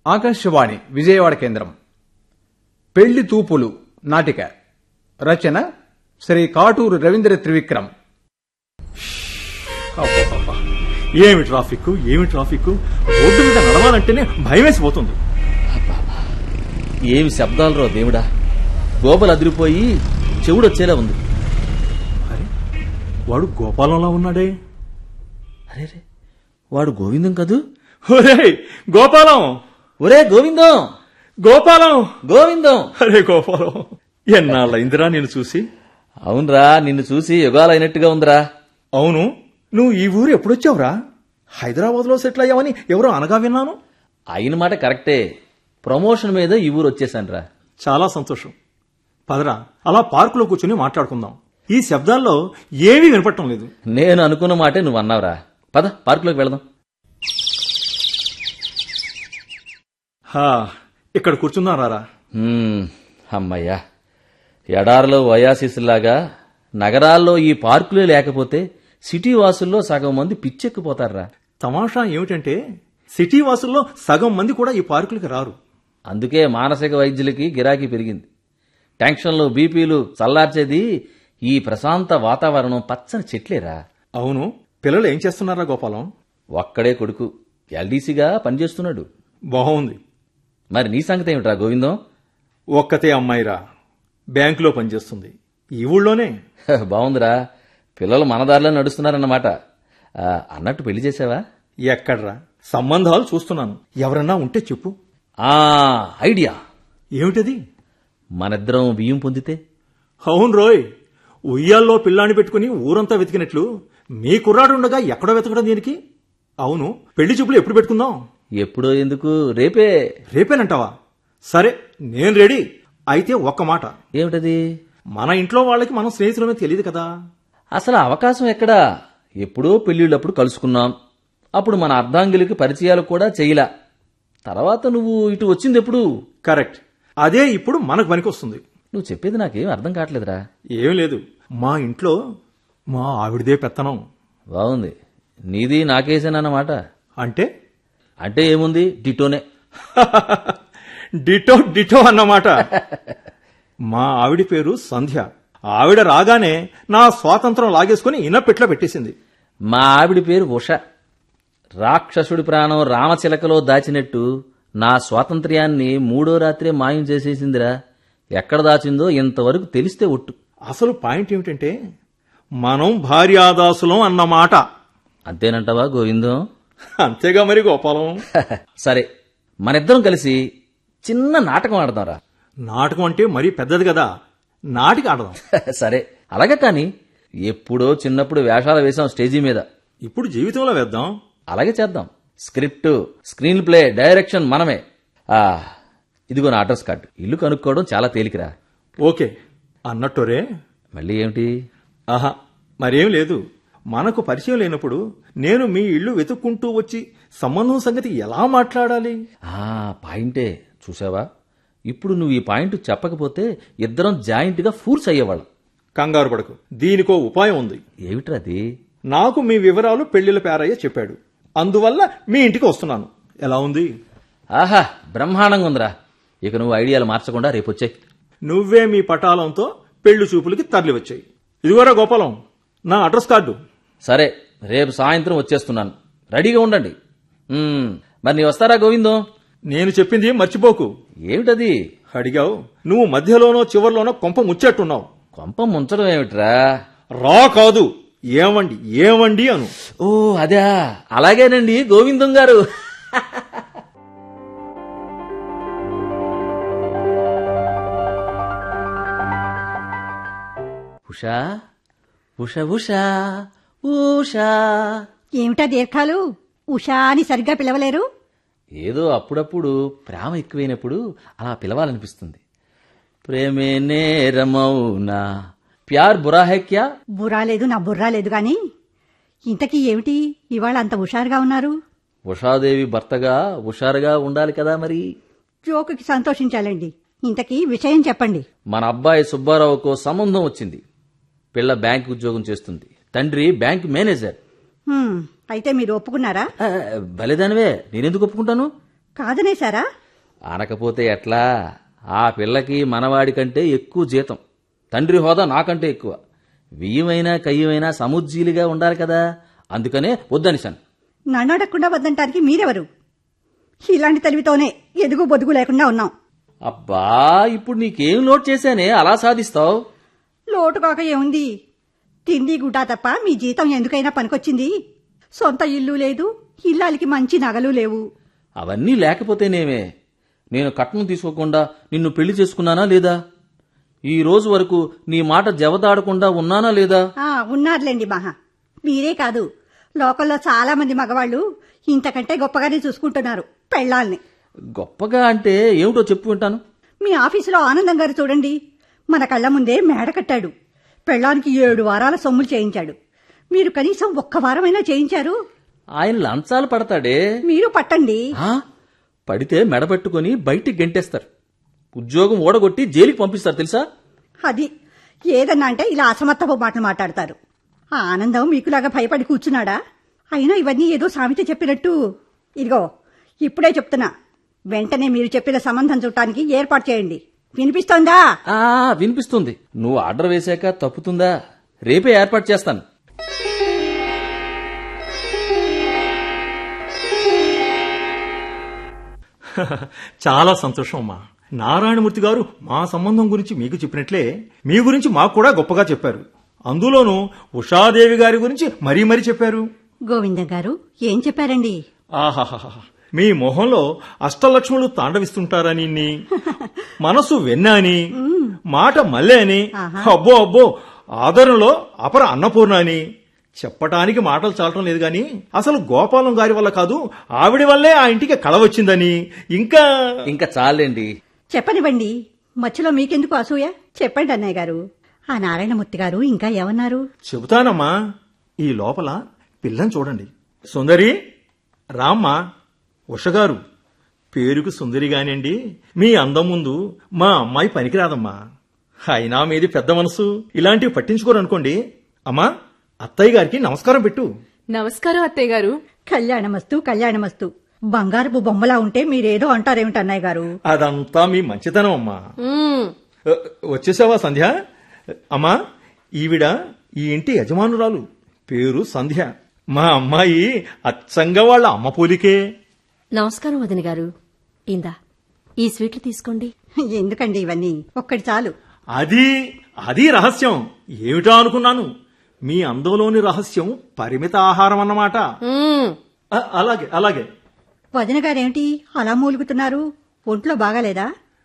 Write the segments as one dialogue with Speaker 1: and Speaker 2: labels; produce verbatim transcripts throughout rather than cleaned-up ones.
Speaker 1: ఆకాశవాణి విజయవాడ కేంద్రం. పెళ్లి తూపులు నాటిక రచన శ్రీ కాటూరు రవీంద్ర త్రివిక్రమ్.
Speaker 2: ఏమి ట్రాఫిక్ ఏమి ట్రాఫిక్ రోడ్డు మీద నడవాలంటేనే భయమేసిపోతుంది.
Speaker 3: ఏమి శబ్దాలు రో దేవుడా, గోపలు అదిరిపోయి చెవుడొచ్చేలా ఉంది.
Speaker 2: అరే వాడు గోపాలంలా ఉన్నాడే.
Speaker 3: అరే రే, వాడు గోవిందం కదూ?
Speaker 2: ఒరే గోపాలం,
Speaker 3: ఒరే గోవిందం,
Speaker 2: గోపాలం,
Speaker 3: గోవిందం.
Speaker 2: అరే గోపాలం, ఎన్నాళ్ళైందిరా నేను చూసి.
Speaker 3: అవునరా, నిన్ను చూసి యుగాలైనట్టుగా ఉందిరా.
Speaker 2: అవును, నువ్వు ఈ ఊరు ఎప్పుడొచ్చావురా? హైదరాబాద్ లో సెటిల్ అయ్యావని ఎవరో అనగా విన్నాను.
Speaker 3: అయిన మాట కరెక్టే, ప్రమోషన్ మీద ఈ ఊరు వచ్చేసానురా.
Speaker 2: చాలా సంతోషం. పదరా, అలా పార్కులో కూర్చుని మాట్లాడుకుందాం. ఈ శబ్దాల్లో ఏమీ వినపడటం లేదు.
Speaker 3: నేను అనుకున్న మాటే నువ్వు అన్నావురా. పద పార్కులోకి వెళదాం.
Speaker 2: హా, ఇక్కడ కూర్చుందాం రారా.
Speaker 3: హ్మ్, అమ్మయ్యా. ఎడారిలో వయాసిస్లాగా నగరాల్లో ఈ పార్కులే లేకపోతే సిటీ వాసుల్లో సగం మంది పిచ్చెక్కిపోతారా.
Speaker 2: తమాషా ఏమిటంటే సిటీ వాసుల్లో సగం మంది కూడా ఈ పార్కులకి రారు.
Speaker 3: అందుకే మానసిక వైద్యులకి గిరాకీ పెరిగింది. టెన్షన్లు, బీపీలు చల్లార్చేది ఈ ప్రశాంత వాతావరణం, పచ్చని చెట్లేరా.
Speaker 2: అవును, పిల్లలు ఏం చేస్తున్నారా గోపాలం?
Speaker 3: ఒక్కడే కొడుకు ఎల్డీసీగా పనిచేస్తున్నాడు.
Speaker 2: బాగుంది.
Speaker 3: మరి నీ సంగతి ఏమిట్రా గోవిందం?
Speaker 2: ఒక్కతే అమ్మాయిరా, బ్యాంకులో పనిచేస్తుంది, ఈ ఊళ్ళోనే.
Speaker 3: బాగుందిరా, పిల్లలు మన దారిలో నడుస్తున్నారన్నమాట. ఆ, అన్నట్టు పెళ్లి చేసావా?
Speaker 2: ఎక్కడ్రా, సంబంధాలు చూస్తున్నాను. ఎవరన్నా ఉంటే చెప్పు.
Speaker 3: ఆ ఐడియా
Speaker 2: ఏమిటది?
Speaker 3: మనిద్దరం బియ్యం పొందితే.
Speaker 2: అవును రోయ్, ఉయ్యాల్లో పిల్లాన్ని పెట్టుకుని ఊరంతా వెతికినట్లు మీ కుర్రాడుండగా ఎక్కడో వెతకడం దీనికి? అవును, పెళ్లి చూపులు ఎప్పుడు పెట్టుకుందాం?
Speaker 3: ఎప్పుడో ఎందుకు, రేపే.
Speaker 2: రేపేనంటావా? సరే, నేను రెడీ. అయితే ఒక్క మాట.
Speaker 3: ఏమిటది?
Speaker 2: మన ఇంట్లో వాళ్ళకి మనం స్నేహితులమే తెలియదు కదా.
Speaker 3: అసలు అవకాశం ఎక్కడా? ఎప్పుడో పెళ్లిళ్ళప్పుడు కలుసుకున్నాం. అప్పుడు మన అర్ధాంగిలికి పరిచయాలు కూడా చెయ్యలా. తర్వాత నువ్వు ఇటు వచ్చింది ఎప్పుడు?
Speaker 2: కరెక్ట్, అదే ఇప్పుడు మనకు పనికొస్తుంది.
Speaker 3: నువ్వు చెప్పేది నాకేం అర్థం కావట్లేదురా.
Speaker 2: ఏం లేదు, మా ఇంట్లో మా ఆవిడదే పెత్తనం.
Speaker 3: బాగుంది, నీది నాకేసేనన్నమాట.
Speaker 2: అంటే
Speaker 3: అంటే ఏముంది, డిటోనే.
Speaker 2: డిటో డిటో అన్నమాట. మా ఆవిడ పేరు సంధ్య. ఆవిడ రాగానే నా స్వాతంత్రం లాగేసుకుని ఇనపెట్లో పెట్టేసింది.
Speaker 3: మా ఆవిడ పేరు ఉష. రాక్షసుడి ప్రాణం రామచిలకలో దాచినట్టు నా స్వాతంత్ర్యాన్ని మూడో రాత్రే మాయం చేసేసిందిరా. ఎక్కడ దాచిందో ఇంతవరకు తెలిస్తే ఒట్టు.
Speaker 2: అసలు పాయింట్ ఏమిటంటే మనం భార్యాదాసులం అన్నమాట.
Speaker 3: అంతేనంటావా గోవిందం?
Speaker 2: అంతేగా మరి గోపాలం.
Speaker 3: సరే, మనిద్దరం కలిసి చిన్న నాటకం ఆడదాంరా.
Speaker 2: నాటకం అంటే మరీ పెద్దది కదా, నాటికి ఆడదాం.
Speaker 3: సరే అలాగే, కాని ఎప్పుడో చిన్నప్పుడు వేషాలు వేసాం స్టేజీ మీద.
Speaker 2: ఇప్పుడు జీవితంలో వేద్దాం.
Speaker 3: అలాగే చేద్దాం. స్క్రిప్ట్, స్క్రీన్ ప్లే, డైరెక్షన్ మనమే. ఆ ఇదిగో నా అడ్రస్ కార్డు. ఇల్లు కనుక్కోవడం చాలా తేలికరా.
Speaker 2: ఓకే అన్నట్టురే.
Speaker 3: మళ్ళీ ఏమిటి?
Speaker 2: ఆహా, మరేం లేదు. మనకు పరిచయం లేనప్పుడు నేను మీ ఇల్లు వెతుక్కుంటూ వచ్చి సంబంధం సంగతి ఎలా మాట్లాడాలి?
Speaker 3: ఆ పాయింటే చూసావా? ఇప్పుడు నువ్వు ఈ పాయింట్ చెప్పకపోతే ఇద్దరం జాయింట్ గా ఫూర్స్ అయ్యేవాళ్ళం.
Speaker 2: కంగారు పడకు, దీనికో ఉపాయం ఉంది.
Speaker 3: ఏమిట్రది?
Speaker 2: నాకు మీ వివరాలు పెళ్లిల పేరయ్య చెప్పాడు, అందువల్ల మీ ఇంటికి వస్తున్నాను. ఎలా ఉంది?
Speaker 3: ఆహా, బ్రహ్మాండంగా ఉందిరా. ఇక నువ్వు ఐడియాలు మార్చకుండా రేపొచ్చాయి.
Speaker 2: నువ్వే మీ పటాలంతో పెళ్లి చూపులకి తరలి వచ్చాయి. ఇదిగోరా గోపాలం, నా అడ్రస్ కార్డు.
Speaker 3: సరే, రేపు సాయంత్రం వచ్చేస్తున్నాను, రెడీగా ఉండండి. ఉమ్, మరి నీ వస్తారా గోవిందం?
Speaker 2: నేను చెప్పింది మర్చిపోకు.
Speaker 3: ఏమిటది?
Speaker 2: అడిగావు, నువ్వు మధ్యలోనో చివర్లోనో కొంప ముచ్చేట్టున్నావు.
Speaker 3: కొంప ముంచడం ఏమిట్రా?
Speaker 2: రా కాదు, ఏమండి ఏమండి అను.
Speaker 3: ఓ అదా, అలాగేనండి గోవిందం గారు. ఉషా ఉష ఉషా ఉషా.
Speaker 4: ఏమిటా దీర్ఘాలు? ఉషా అని సరిగ్గా పిలవలేరు?
Speaker 3: ఏదో అప్పుడప్పుడు ప్రేమ ఎక్కువైనప్పుడు అలా పిలవాలనిపిస్తుంది. ప్రేమే నేరమౌనా, ప్యార్ బురా హై క్యా?
Speaker 4: బుర్రా లేదు, నా బుర్రా లేదు గాని ఇంతకీ ఏమిటి ఇవాళ అంత హుషారుగా ఉన్నారు?
Speaker 3: ఉషాదేవి భర్తగా హుషారుగా ఉండాలి కదా మరి.
Speaker 4: జోకుకి సంతోషించాలండి. ఇంతకీ విషయం చెప్పండి.
Speaker 3: మన అబ్బాయి సుబ్బారావుకు సంబంధం వచ్చింది. పిల్ల బ్యాంక్ ఉద్యోగం చేస్తుంది, తండ్రి బ్యాంక్ మేనేజర్.
Speaker 4: హ్మ్, అయితే మీరు ఒప్పుకున్నారా?
Speaker 3: ఆ, భలేదానివే, నేనెందుకు ఒప్పుకుంటాను?
Speaker 4: కాదనేశారా?
Speaker 3: అనకపోతే ఎట్లా? ఆ పిల్లకి మనవాడి కంటే ఎక్కువ జీతం, తండ్రి హోదా నాకంటే ఎక్కువ. బియ్యమైనా కయ్యమైనా సముజ్జీలుగా ఉండాలి కదా, అందుకనే వద్దనిశాను.
Speaker 4: నన్ను అడగకుండా వద్దంటానికి మీరెవరు? ఇలాంటి తెలివితోనే ఎదుగు బొదుగు లేకుండా ఉన్నాం.
Speaker 3: అబ్బా, ఇప్పుడు నీకేం లోటు చేశానే అలా సాధిస్తావు?
Speaker 4: లోటు కాక ఏముంది? తిండి గుడ్డా తప్ప మీ జీతం ఎందుకైనా పనికొచ్చింది? సొంత ఇల్లు లేదు, ఇల్లాలికి మంచి నగలు లేవు.
Speaker 3: అవన్నీ లేకపోతేనేమే నేను కట్నం తీసుకోకుండా నిన్ను పెళ్లి చేసుకున్నానా లేదా? ఈ రోజు వరకు నీ మాట జవదాడకుండా ఉన్నానా లేదా?
Speaker 4: ఆ ఉన్నారులేండి మహా. మీరే కాదు, లోకల్లో చాలా మంది మగవాళ్ళు ఇంతకంటే గొప్పగానే చూసుకుంటున్నారు పెళ్ళాల్ని.
Speaker 3: గొప్పగా అంటే ఏమిటో చెప్పు వింటాను.
Speaker 4: మీ ఆఫీసులో ఆనందం గారు చూడండి, మన కళ్ళ ముందే మేడ కట్టాడు. పెళ్ళానికి ఏడు వారాల సొమ్ములు చేయించాడు. మీరు కనీసం ఒక్క వారమైనా చేయించారు?
Speaker 3: ఆయన లంచాలు పడతాడే.
Speaker 4: మీరు పట్టండి.
Speaker 3: ఆ? పడితే మెడబెట్టుకుని బయటికి గెంటేస్తారు, ఉద్యోగం ఓడగొట్టి జైలుకి పంపిస్తారు తెలుసా?
Speaker 4: అది ఏదన్నా అంటే ఇలా అసమర్థపు మాటలు మాట్లాడతారు. ఆ ఆనందం మీకులాగా భయపడి కూర్చున్నాడా? అయినా ఇవన్నీ ఏదో సామెత చెప్పినట్టు. ఇదిగో ఇప్పుడే చెప్తున్నా, వెంటనే మీరు చెప్పిన సంబంధం చూడటానికి ఏర్పాటు చేయండి. వినిపిస్తోందా?
Speaker 3: ఆ వినిపిస్తుంది. నువ్వు ఆర్డర్ వేశాక తప్పుతుందా? రేపే ఏర్పాటు చేస్తాను.
Speaker 2: చాలా సంతోషం అమ్మా. నారాయణమూర్తి గారు మా సంబంధం గురించి మీకు చెప్పినట్లే మీ గురించి మాకు కూడా గొప్పగా చెప్పారు. అందులోనూ ఉషాదేవి గారి గురించి మరీ మరీ చెప్పారు.
Speaker 4: గోవిందం గారు ఏం చెప్పారండి?
Speaker 2: ఆహాహా, మీ మొహంలో అష్టలక్ష్ములు తాండవిస్తుంటారని, మనసు వెన్న అని, మాట మల్లె అని, అబ్బో అబ్బో ఆదరణలో అపర అన్నపూర్ణ అని చెప్పటానికి మాటలు చాలటం లేదు గాని అసలు గోపాలం గారి వల్ల కాదు, ఆవిడ వల్లే ఆ ఇంటికి కళ వచ్చిందని. ఇంకా
Speaker 3: ఇంకా చాలండి.
Speaker 4: చెప్పనివ్వండి, మధ్యలో మీకెందుకు అసూయ? చెప్పండి అన్నయ్య గారు. ఆ నారాయణమూర్తి గారు ఇంకా ఏమన్నారు?
Speaker 2: చెబుతానమ్మా. ఈ లోపల పిల్లని చూడండి. సుందరి రామ్మా. ఉషగారు పేరుకు సుందరిగానండి, మీ అందం ముందు మా అమ్మాయి పనికిరాదమ్మా. అయినా మీది పెద్ద మనసు, ఇలాంటివి పట్టించుకోరనుకోండి. అమ్మా, అత్తయ్య గారికి నమస్కారం పెట్టు.
Speaker 5: నమస్కారం అత్తయ్య గారు.
Speaker 4: కళ్యాణమస్తు కళ్యాణమస్తు. బంగారపు బొమ్మలా ఉంటే మీరేదో అంటారేమిటి అన్నయ్య గారు?
Speaker 2: అదంతా మీ మంచితనం అమ్మా.
Speaker 5: మ్మ్.
Speaker 2: అ, వచ్చేసావా సంధ్య? అమ్మా, ఈవిడ ఈ ఇంటి యజమానురాలు, పేరు సంధ్య. మా అమ్మాయి అచ్చంగా వాళ్ళ అమ్మ పోలికే.
Speaker 6: నమస్కారం వదిన గారు. ఇందా ఈ స్వీట్లు తీసుకోండి.
Speaker 4: ఎందుకండి ఇవన్నీ? ఒక్కటి చాలు.
Speaker 2: అది అది రహస్యం. ఏమిటా అనుకున్నాను. మీ అందంలోని రహస్యం పరిమిత ఆహారం అన్నమాట.
Speaker 5: మ్మ్.
Speaker 2: అ, అలాగే అలాగే.
Speaker 4: వదిన గారేమిటి అలా మూలుగుతున్నారు? ఒంట్లో బాగాలేదా?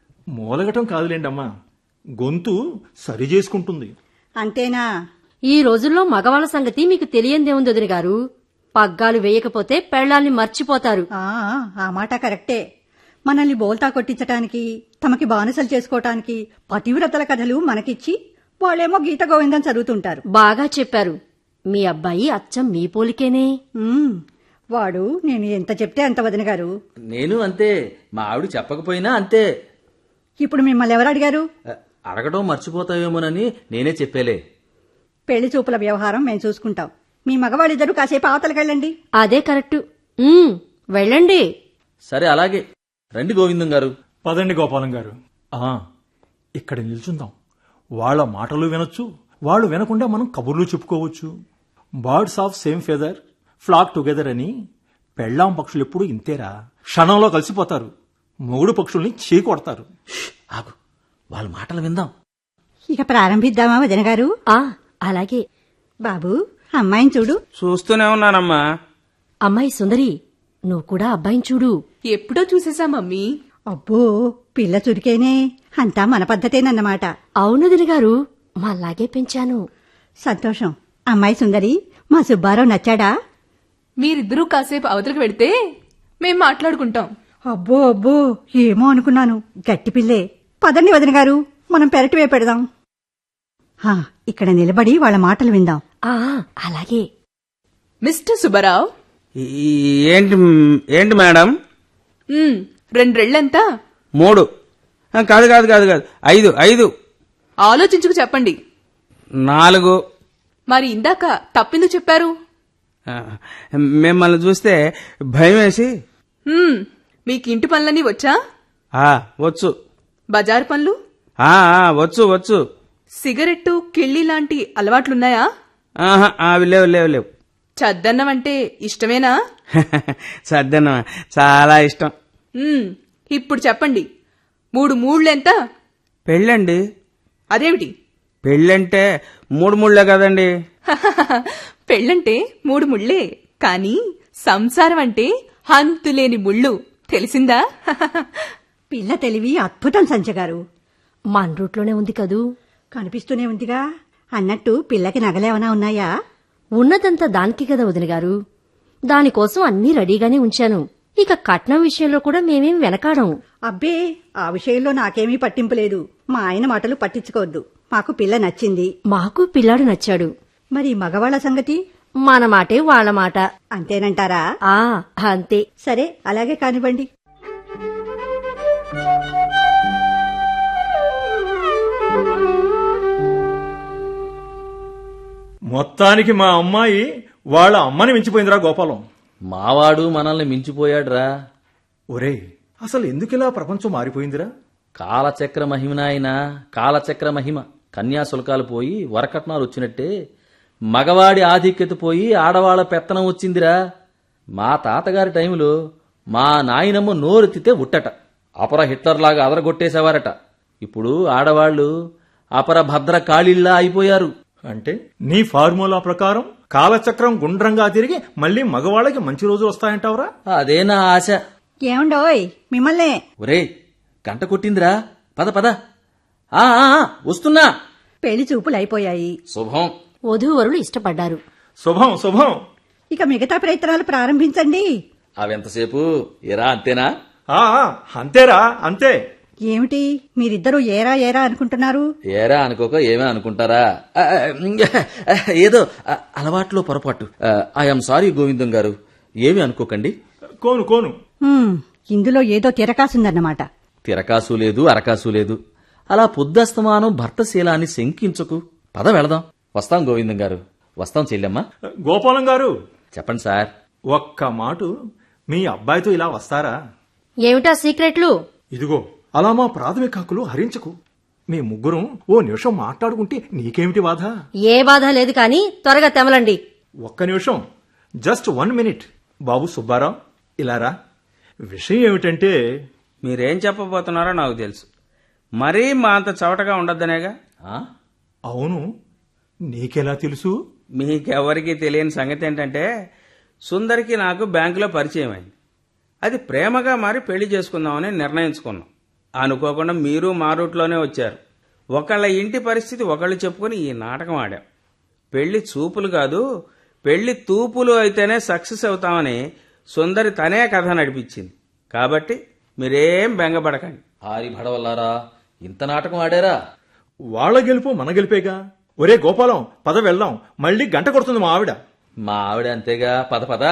Speaker 2: మూలగటం కాదులేండమ్మా, గొంతు సరి చేసుకుంటుంది.
Speaker 4: అంతేనా?
Speaker 6: ఈ రోజుల్లో మగవాళ్ళ సంగతి మీకు తెలియందేముంది వదిన గారు. పగ్గాలు వేయకపోతే పెళ్లాల్ని మర్చిపోతారు.
Speaker 4: ఆ ఆ మాట కరెక్టే. మనల్ని బోల్తా కొట్టించటానికి, తమకి బానిసలు చేసుకోవటానికి పతివ్రతల కథలు మనకిచ్చి వాళ్ళేమో గీత గోవిందం చదువుతుంటారు.
Speaker 6: బాగా చెప్పారు. మీ అబ్బాయి అచ్చం మీ పోలికేనే.
Speaker 4: ఉమ్, వాడు నేను ఎంత చెప్తే అంత వదిన గారు.
Speaker 3: నేను అంతే, మా ఆవిడ చెప్పకపోయినా అంతే.
Speaker 4: ఇప్పుడు మిమ్మల్ని ఎవరు అడిగారు?
Speaker 3: అ, అడగడం మర్చిపోతావేమోనని నేనే చెప్పేలే.
Speaker 4: పెళ్లి చూపుల వ్యవహారం మేము చూసుకుంటాం. మీ మగవాళ్ళిద్దరూ కాసేపు అవతలకెళ్ళండి.
Speaker 6: అదే కరెక్టు. ఉమ్, వెళ్ళండి.
Speaker 3: సరే అలాగే. రండి గోవిందం గారు.
Speaker 2: పదండి గోపాలం గారు. ఆ ఇక్కడ నిల్చుందాం. వాళ్ళ మాటలు వినొచ్చు, వాళ్ళు వినకుండా మనం కబుర్లు చెప్పుకోవచ్చు. Birds of same feather flock together అని. పెళ్ళాం పక్షులు ఎప్పుడు ఇంతేరా, క్షణంలో కలిసిపోతారు. మొగుడు పక్షుల్ని చీకొడతారు.
Speaker 3: ఆగు, వాళ్ళ మాటలు విందాం.
Speaker 4: ఇక ప్రారంభిద్దామా వదిన గారు?
Speaker 6: ఆ అలాగే.
Speaker 4: బాబు, అమ్మాయిని చూడు.
Speaker 7: చూస్తూనే ఉన్నానమ్మా.
Speaker 6: అమ్మాయి సుందరి, నువ్వు కూడా అబ్బాయిని చూడు.
Speaker 5: ఎప్పుడో చూసేసా మమ్మీ.
Speaker 4: అబ్బో, పిల్ల చురికేనే. అంతా మన పద్ధతేనన్నమాట.
Speaker 6: అవును వదిన గారు, మాలాగే పెంచాను.
Speaker 4: సంతోషం. అమ్మాయి సుందరి, మా సుబ్బారావు నచ్చాడా?
Speaker 5: మీరిద్దరూ కాసేపు అవతలకు వెడితే మేం మాట్లాడుకుంటాం.
Speaker 4: అబ్బో అబ్బో, ఏమో అనుకున్నాను. గట్టి పిల్లే. పదండి వదిన గారు, మనం పెరటివే పెడదాం. హా, ఇక్కడ నిలబడి వాళ్ళ మాటలు విందాం.
Speaker 6: ఆ అలాగే.
Speaker 5: మిస్టర్ సుబ్బారావు.
Speaker 7: ఈ- ఏంటి ఏంటి మేడం?
Speaker 5: మ్మ్, రెండ్రెళ్లెంతా?
Speaker 7: మూడు. ఆ, కాదు కాదు కాదు కాదు ఐదు ఐదు.
Speaker 5: ఆలోచించుకు చెప్పండి.
Speaker 7: నాలుగు.
Speaker 5: మరి ఇందాక తప్పిందుకు చెప్పారు?
Speaker 7: ఆ, మిమ్మల్ని చూస్తే భయం వేసి.
Speaker 5: మ్మ్, మీకు ఇంటి పనులన్నీ వచ్చా?
Speaker 7: ఆ, వచ్చు.
Speaker 5: బజారు పనులు?
Speaker 7: ఆ, ఆ, వచ్చు వచ్చు.
Speaker 5: సిగరెట్టు, కిళ్ళి లాంటి అలవాట్లున్నాయా?
Speaker 7: ఆహా, అవి లేవు లేవు లేవు.
Speaker 5: చద్దన్నం అంటే ఇష్టమేనా?
Speaker 7: సర్దన్న చాలా ఇష్టం.
Speaker 5: ఉమ్, ఇప్పుడు చెప్పండి, మూడు మూళ్ళెంత?
Speaker 7: పెళ్ళండి.
Speaker 5: అదేమిటి?
Speaker 7: పెళ్ళంటే మూడు ముళ్ళే కదండి.
Speaker 5: పెళ్ళంటే మూడు ముళ్ళే, కానీ సంసారం అంటే హంతులేని ముళ్ళు, తెలిసిందా?
Speaker 4: పిల్ల తెలివి అద్భుతం సంచగారు.
Speaker 6: మన రూట్లోనే ఉంది కదూ.
Speaker 4: కనిపిస్తూనే ఉందిగా. అన్నట్టు పిల్లకి నగలేమన్నా ఉన్నాయా?
Speaker 6: ఉన్నదంతా దానికి కదా వదిన గారు. దానికోసం అన్నీ రెడీగానే ఉంచాను. ఇక కట్నం విషయంలో కూడా మేమేం వెనకాడం.
Speaker 4: అబ్బే, ఆ విషయంలో నాకేమీ పట్టింపు లేదు. మా ఆయన మాటలు పట్టించుకోవద్దు. మాకు పిల్ల నచ్చింది.
Speaker 6: మాకు పిల్లాడు నచ్చాడు.
Speaker 4: మరి మగవాళ్ల సంగతి?
Speaker 6: మన మాటే వాళ్ళ మాట.
Speaker 4: అంతేనంటారా?
Speaker 6: ఆ అంతే.
Speaker 4: సరే, అలాగే కానివ్వండి.
Speaker 2: మొత్తానికి మా అమ్మాయి వాళ్ళ అమ్మని మించిపోయిందిరా గోపాలం.
Speaker 3: మావాడు మనల్ని మించిపోయాడురా.
Speaker 2: ఒరే, అసలు ఎందుకిలా ప్రపంచం మారిపోయిందిరా?
Speaker 3: కాలచక్ర మహిమనాయన, కాలచక్ర మహిమ. కన్యాశుల్కాలు పోయి వరకట్నాలు వచ్చినట్టే మగవాడి ఆధిక్యత పోయి ఆడవాళ్ల పెత్తనం వచ్చిందిరా. మా తాతగారి టైంలో మా నాయనమ్మ నోరెత్తితే ఉట్టట, అపర హిట్లర్లాగా అదరగొట్టేసేవారట. ఇప్పుడు ఆడవాళ్లు అపర భద్ర కాళీల్లా అయిపోయారు.
Speaker 2: అంటే నీ ఫార్ములా ప్రకారం కాలచక్రం గుండ్రంగా తిరిగి మళ్ళీ మగవాళ్ళకి మంచి రోజులు వస్తాయంటావురా?
Speaker 3: అదే నా ఆశ.
Speaker 4: ఏమండోయ్, మిమ్మల్నే.
Speaker 3: ఒరేయ్, గంట కొట్టిందిరా, పద పద. ఆ ఆ, ఆ, వస్తున్నా.
Speaker 4: పెళ్లి చూపులు అయిపోయాయి.
Speaker 3: శుభం.
Speaker 6: వధూవరులు ఇష్టపడ్డారు.
Speaker 2: శుభం శుభం.
Speaker 4: ఇక మిగతా ప్రయత్నాలు ప్రారంభించండి.
Speaker 3: అవెంతసేపు ఎరా అంతేనా?
Speaker 2: ఆ ఆ, అంతేరా అంతే.
Speaker 4: ఏమిటి మీరిద్దరూ ఏరా ఏరా అనుకుంటున్నారు?
Speaker 3: ఏరా అనుకోక ఏమే అనుకుంటారా? ఆ, ఆ, ఏదో ఆ, అలవాట్లో పొరపాటు. ఐఎమ్ సారీ గోవిందం గారు, ఏమి అనుకోకండి.
Speaker 2: కోను కోను.
Speaker 4: హ్మ్, ఇందులో ఏదో తిరకాసుందన్నమాట.
Speaker 3: తిరకాసు లేదు, అరకాసు లేదు. అలా పొద్దస్తమానం భర్తశీలాన్ని శంకించకు. పద వెళదాం. వస్తాం గోవిందం గారు, వస్తాం చెల్లెమ్మ.
Speaker 2: గోపాలం గారు,
Speaker 3: చెప్పండి సార్.
Speaker 2: ఒక్క మాటు మీ అబ్బాయితో ఇలా వస్తారా?
Speaker 6: ఏమిటా సీక్రెట్లు?
Speaker 2: ఇదిగో, అలా మా ప్రాథమిక హక్కులు హరించకు. మీ ముగ్గురం ఓ నిమిషం మాట్లాడుకుంటే నీకేమిటి బాధ?
Speaker 6: ఏ బాధ లేదు కాని త్వరగా తెమలండి.
Speaker 2: ఒక్క నిమిషం, జస్ట్ వన్ మినిట్. బాబు సుబ్బారావు, ఇలారా. విషయం ఏమిటంటే,
Speaker 7: మీరేం చెప్పబోతున్నారో నాకు తెలుసు. మరీ మా అంత చవటగా ఉండద్దనేగా.
Speaker 3: ఆ?
Speaker 2: అవును, నీకెలా తెలుసు?
Speaker 7: మీకెవరికి తెలియని సంగతి ఏంటంటే, సుందరికి నాకు బ్యాంకులో పరిచయం అయింది. అది ప్రేమగా మారి పెళ్లి చేసుకుందామని నిర్ణయించుకున్నాం. అనుకోకుండా మీరు మా రూట్లోనే వచ్చారు. ఒకళ్ళ ఇంటి పరిస్థితి ఒకళ్ళు చెప్పుకుని ఈ నాటకం ఆడాం. పెళ్లి చూపులు కాదు, పెళ్లి తూపులు అయితేనే సక్సెస్ అవుతామని సుందరి తనే కథ నడిపించింది. కాబట్టి మీరేం బెంగపడకండి.
Speaker 3: హారి భడవల్లారా, ఇంత నాటకం ఆడారా?
Speaker 2: వాళ్ళ గెలుపు మన గెలిపేగా. ఒరే గోపాలం, పద వెళ్దాం. మళ్ళీ గంట కొడుతుంది మా ఆవిడ.
Speaker 3: మా ఆవిడ అంతేగా, పద పద.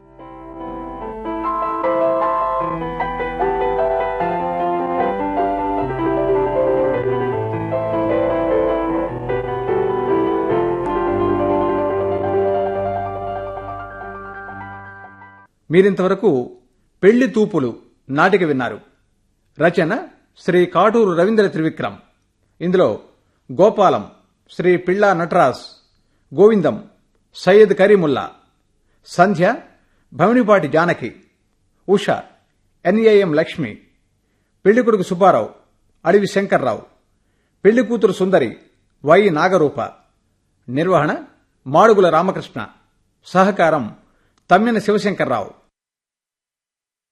Speaker 1: మీరింతవరకు పెళ్లి తూపులు నాటిక విన్నారు. రచన శ్రీ కాటూరు రవీంద్ర త్రివిక్రమ్. ఇందులో గోపాలం శ్రీ పిళ్ళా నటరాజ్, గోవిందం సయ్యద్ కరీముల్లా, సంధ్య భవనిపాటి జానకి, ఉష ఎన్ఏఎం లక్ష్మి, పెళ్లికొడుకు సుబ్బారావు అడవి శంకర్రావు, పెళ్లి కూతురు సుందరి వై నాగరూప. నిర్వహణ మాడుగుల రామకృష్ణ. సహకారం తమ్మిన శివశంకర్రావు.